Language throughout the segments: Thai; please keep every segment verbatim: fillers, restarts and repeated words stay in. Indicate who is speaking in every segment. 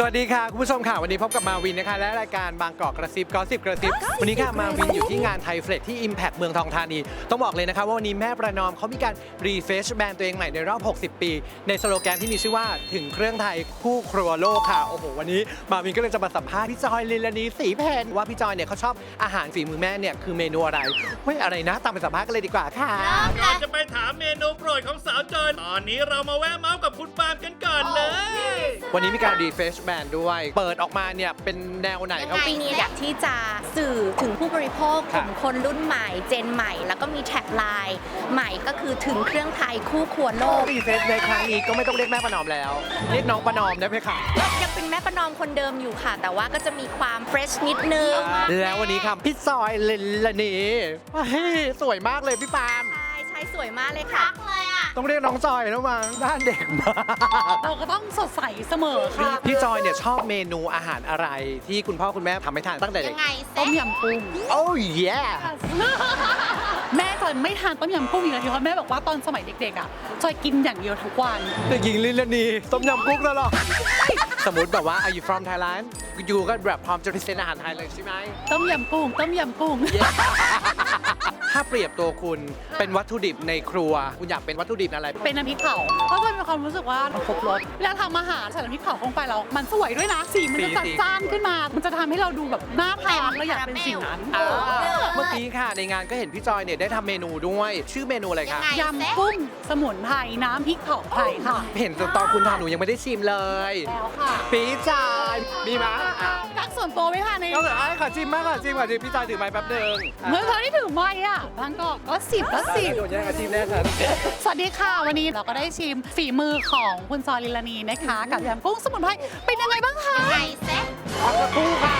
Speaker 1: สวัสดีค่ะคุณผู้ชมค่ะวันนี้พบกับมาวินนะคะและรายการบางกอกกระซิบกอสิบกระซิบวันนี้ค่ะมาวินอยู่ที่งานไทยเฟลชที่ Impact เมืองทองธานีต้องบอกเลยนะคะว่าวันนี้แม่ประนอมเขามีการรีเฟรชแบรนด์ตัวเองใหม่ในรอบหกสิบปีในสโลแกนที่มีชื่อว่าถึงเครื่องไทยคู่ครัวโลกค่ะโอ้โหวันนี้มาวินก็เลยจะมาสัมภาษณ์พี่จอยลิลานีศรีเพนว่าพี่จอยเนี่ยเขาชอบอาหารฝีมือแม่เนี่ยคือเมนูอะไรเฮ้ยอะไรนะตามไปสัมภาษณ์กันเลยดีกว่าค่ะ
Speaker 2: ก่อนจะไปถามเมนูโปรดของสาวจอยตอนนี้เรามาแวะเมาส์กับคุณปาล์มกันก่อนเลย
Speaker 1: วันนี้มีการรีเฟรชแบรนด์ด้วยเปิดออกมาเนี่ยเป็นแนวไหนครับ
Speaker 3: ปีนี้อยากที่จะสื่อถึงผู้บริโภคกลุ่มคนรุ่นใหม่เจนใหม่แล้วก็มีแท็กไลน์ใหม่ก็คือถึงเครื่องไทยคู่ครัวโลก
Speaker 1: รีเฟรชในครั้งนี้ก็ไม่ต้องเรียกแม่ประนอมแล้วเรียกน้องประนอมได้ไหมคะ
Speaker 3: ยังเป็นแม่ประนอมคนเดิมอยู่ค่ะแต่ว่าก็จะมีความเฟรชนิดนึง
Speaker 1: แล้ววันนี้ครับพี่จอยลิลานีสวยมากเลยพี่ปาล์ม
Speaker 3: ใช่ใช่สวยมากเลยค่ะ
Speaker 1: ต้องเรียกน้องจอยแล้วมั้งด้านเด็กมาก
Speaker 4: เราก็ต้องสดใสเสมอค่ะ
Speaker 1: พี่จอยเนี่ยชอบเมนูอาหารอะไรที่คุณพ่อคุณแม่ทำให้ทานตั้งแต่เด็ก
Speaker 4: ต้มยำกุ้ง
Speaker 1: โอ้ยแย่
Speaker 4: แม่จอยไม่ทานต้มยำกุ้งอีกเลยเพราะแม่บอกว่าตอนสมัยเด็กๆอ่ะจอยกินอย่างเดียวทุกวัน
Speaker 1: เด็กหญิงลิลานีต้มยำกุ้งตลอดสมมติแบบว่า Are you from Thailand อยู่ก็แบบพร้อมจะพิเศษอาหารไทยเลยใช่ไหม
Speaker 4: ต้มยำกุ้งต้มยำกุ้ง
Speaker 1: ถ้าเปรียบตัวคุณเป็นวัตถุดิบในครัวคุณอยากเป็นวัตถุดิบอะไร
Speaker 4: เป็นน้ำพริกเผาเพราะจอยมีความรู้สึกว่าครบรสเวลาทำอาหารใส่น้ำพริกเผาลงไปแล้วมันสวยด้วยนะสีมันจะจัดจ้านขึ้นมามันจะทำให้เราดูแบบน่าทานเราอยากเป็นสิ่งนั้น
Speaker 1: เมื่อกี้ค่ะในงานก็เห็นพี่จอยเนี่ยได้ทำเมนูด้วยชื่อเมนูอะไรคะ
Speaker 4: ยำกุ้งสมุนไพรน้ำพริกเผาไทยค่ะ
Speaker 1: เห็นตอนคุณทำหนูยังไม่ได้ชิมเลย
Speaker 4: แล้วค่ะ
Speaker 1: พี่จอยมีมั้ย
Speaker 4: รักส่วนตัวไหมคะใน
Speaker 1: ก็เลยขอชิมมากขอชิมขอชิมพี่จอยถือไม้แป๊บนึง
Speaker 4: เมื่อเธอที่ถือไม้อ่ะบางก็ก็สิบก็สิบ
Speaker 1: โดนแย่งอาชีพแรกครับ
Speaker 4: สวัสดีค่ะวันนี้เราก็ได้ชิมฝีมือของคุณจอยลิลานีนะคะกับยำกุ้งสมุนไพรเป็นยังไงบ้างคะ
Speaker 3: ไก่เซ็ต
Speaker 1: ขอบคุณค่ะ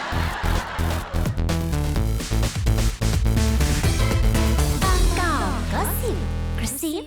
Speaker 5: บางกอกก็สิบกระซิ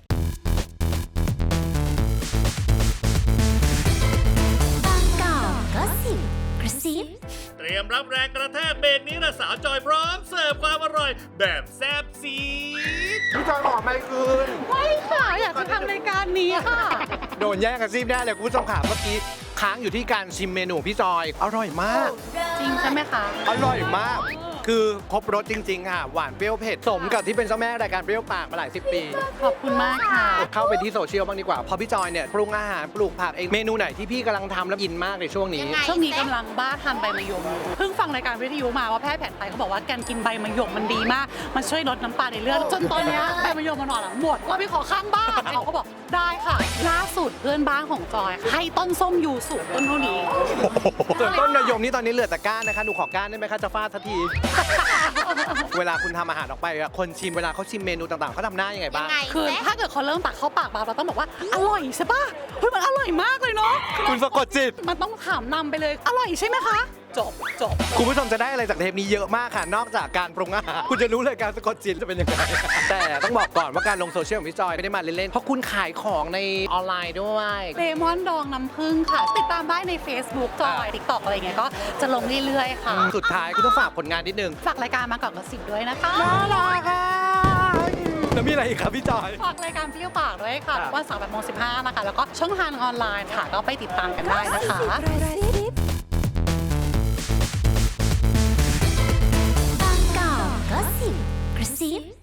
Speaker 5: บางกอกก็สิบกระซิบ
Speaker 2: เตรียมรับแรงกระแทกเบรกนี้ละสาวจอยพร้อมเสิร์ฟความอร่อยแบบแซ่บซีด
Speaker 1: พี่จอยขอไม่คืน
Speaker 4: ไม่ค่ะอยากจะทำรายการนี้ค่ะ
Speaker 1: โดนแย่งอาชีพได้เลยคุณผู้ชมค่ะเมื่อกี้ค้างอยู่ที่การชิมเมนูพี่จอยอร่อยมาก
Speaker 4: จริงใช่ไหมคะ
Speaker 1: อร่อยมากคือครบรสจริงๆค่ะหวานเปรี้ยวเผ็ดสมกับที่เป็นเจ้าแม่รายการเปรี้ยวปากมาหลายสิบปี
Speaker 4: ขอบคุณมากค่ะ
Speaker 1: เข้าไปที่โซเชียลบ้างดีกว่าพอพี่จอยเนี่ยปรุงอาหารปลูกผักเองเมนูไหนที่พี่กำลังทำแล้วอินมากในช่วงนี้
Speaker 4: ช่วงนี้กำลังบ้าทานใบมะยมเพิ่งฟังรายการวิทยุมาว่าแพทย์แผนไทยเขาบอกว่าการกินใบมะยมมันดีมากมันช่วยลดน้ำตาลในเลือดจนตอนนี้ใบมะยมมันหมดหมดเราไปขอข้างบ้านเขาก็บอกได้ค่ะล่าสุดเพื่อนบ้านของจอยให้ต้นส้มยูสุต้นเท่านี้
Speaker 1: ส่วนต้นมะยมนี่ตอนนี้เหลือแต่ก้านนะคะหนูขอก้านได้ไหมคะจะฟาดสักทีเวลาคุณทำอาหารออกไปคนชิมเวลาเขาชิมเมนูต่างๆเขาทำหน้ายังไงบ้าง
Speaker 4: คือถ้าเกิดเขาเริ่มตักเข้าปากเราต้องบอกว่าอร่อยใช่ป่ะเฮ้ยมันอร่อยมากเลยเนาะ
Speaker 1: คุณสะกดจิต
Speaker 4: มันต้องถามนำไปเลยอร่อยใช่ไหมคะจบจบ
Speaker 1: คุณผู้ชมจะได้อะไรจากเทปนี้เยอะมากค่ะนอกจากการปรุงอาหารคุณจะรู้เลยการสะกดจิตจะเป็นยังไงแต่ต้องบอกก่อนว่าการลงโซเชียลของพี่จอยไม่ได้มาเล่นๆเพราะคุณขายของในออนไลน์ด้วย
Speaker 4: เลมอนดองน้ำผึ้งค่ะติดตามได้ใน Facebook จอย TikTok อะไรเงี้ยก็จะลงเรื่อยๆค่ะ
Speaker 1: สุดท้ายคุณต้องฝากผลงานนิดนึง
Speaker 4: ฝากรายการมาก่อนกระสิบด้วยนะคะ
Speaker 1: น่ารักค่ะแล้วมีอะไรอีกครับพี่จอย
Speaker 4: ฝากรายการเปรี้ยวปากด้วยค่ะวันเสาร์แปดโมงสิบห้านะคะแล้วก็ช่องทางออนไลน์ค่ะก็ไปติดตามกันได้นะคะ
Speaker 5: บางกอกก็สิบกระซิบ